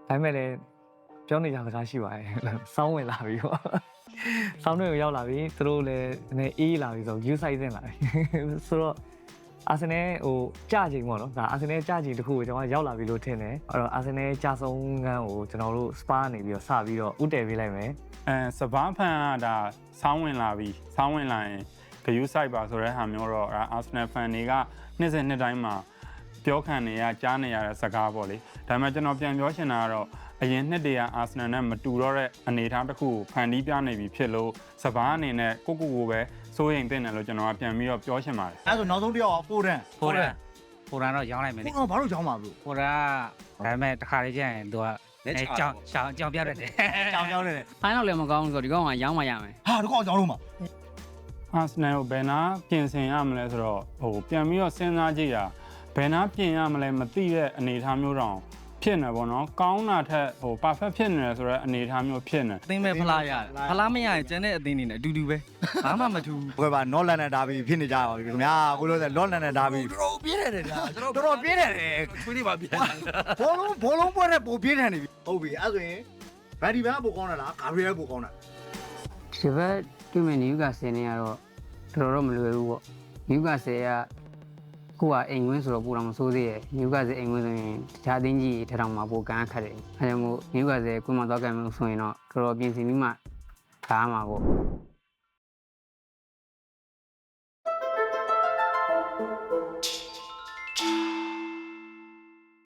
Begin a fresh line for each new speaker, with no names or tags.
ဒါပေမဲ့လည်းပြောနေကြစကားရှိပါတယ်စောင်းဝင်လာပြီပေါ့စောင်းတွေကိုရောက်လာပြီသူတို့လည်းနည်းအေးလာပြီဆို view size တင်လာပြီဆိုတော့အာဆင်နယ်ဟိုကြချိန်ပေါ့နော်ဒါအာဆင်နယ်ကြချိန်တစ်ခုကိုကျွန်တော်ရောက်လာပြီလို့ထင်တယ်အဲ့တော့အာဆင်နယ်ကြဆုံးခန်းကိုကျွန်တော်တို့ spa နေပြီးတော့စပြီးတော့ဥတည်ပေးလိုက်မယ်
စပားဖန်ကဒါဆောင်းဝင်လာပြီဆောင်းဝင်လာရင်ဂယူးဆိုင်ပါဆိုတဲ့ဟာမျိုးတော့အာဆင်နယ်ဖန်တွေကနှစ်စဉ်နှစ်တိုင်းမှာပြောခံနေရကြားနေရတဲ့စကားပေါ့လေဒါပေမဲ့ကျွန်တော်ပြန်ပြောချင်တာကတော့အရင်နှစ်တည်းကအာဆင်နယ်နဲ့မတူတော့တဲ့အနေအထားတစ်ခုကိုဖန်တီးပြနေပြီဖြစ်လို့စပားအနေနဲ့ကိုပဲစိုးရိမ်တင်တယ်လို့ကျွန်တော်ကပြန်ပြီးတော့ပြောချင်ပါတယ်
အဲ့ဆိုနောက်ဆုံးတစ်ယောက်ဖိုရန်
တော့ရောင်းလိုက်မယ်လေ
ဘာလို့ကြောင်းမှာဘလို့
ဖိုရန်ဒါပေမဲ့တစ်ခါလေးကျရင်သူကကြောင်ပြရတယ်
ကြောင်တယ်
ဖိုင်းတော့လည်းမကောင်းဘူးဆိုတော့ဒီကောင်ကရောင်းမှရမယ်
ဟာဒီကောင်ကြောင်းလို့မှာ
အာဆင်နယ်ကိုဘယ်နာပြင်ဆင်ရမလဲဆိုတော့ဟိုပြန်ပြီးတော့စဉ်းစားကြည့်တာဘယ်နာပြင်ရမလဲမသိတဲ့အနေအထားမျိုးတောင်ဖြစ်နေပေါ့နော်ကောင်းတာထက်ဟို perfect ဖြစ်နေတယ်ဆိုတော့အနေအထားမျိုးဖြစ်နေ
အသင်းပဲဖလားရတယ်ဖလားမရရင်ကျန်တဲ့အသင်းတွေနဲ့အတူတူပဲဘာမှမထူး
ဘယ်ပါနော့လန်နဲ့ဒါဘီဖြစ်နေကြပါပြီခင်ဗျာကိုလို့ဆိုလော့လန်နဲ့ဒါဘီတော်ပြင်းတယ်ဗျာတော်တော်ပြင်းတယ်
ခွေးလေးပါပြင်းတယ်
ဘောလုံးပွဲနဲ့ပိုပြင်းထန်နေပြီဟုတ်ပြီအဲ့ဆိုရင်ဗန်ဒီဘန်ကပိုကောင်းတာလားဂါဘရီယယ်ပိုကောင်းတာ
ဒီဘက်တွေ့မယ်နယူကာဆယ်နေရတော့တော်တော်မလွယ်ဘူးပေါ့နယူကာဆယ်ကကိုကအိမ်ဝင်းဆိုတော့ပူတော်မစိုးသေးရဲ့နယူကာဆယ်အိမ်ဝင်းဆိုရင်တခြားအသင်းကြီးထထောင်မှာပိုကန်းခတ်တယ်အဲဒါကြောင့်မို့နယူကာဆယ်ကွင်းမှာသွားကြမယ်ဆိုရင်တော့တော်တော်ပြင်ဆင်ပြီးမှကားမှာပေါ့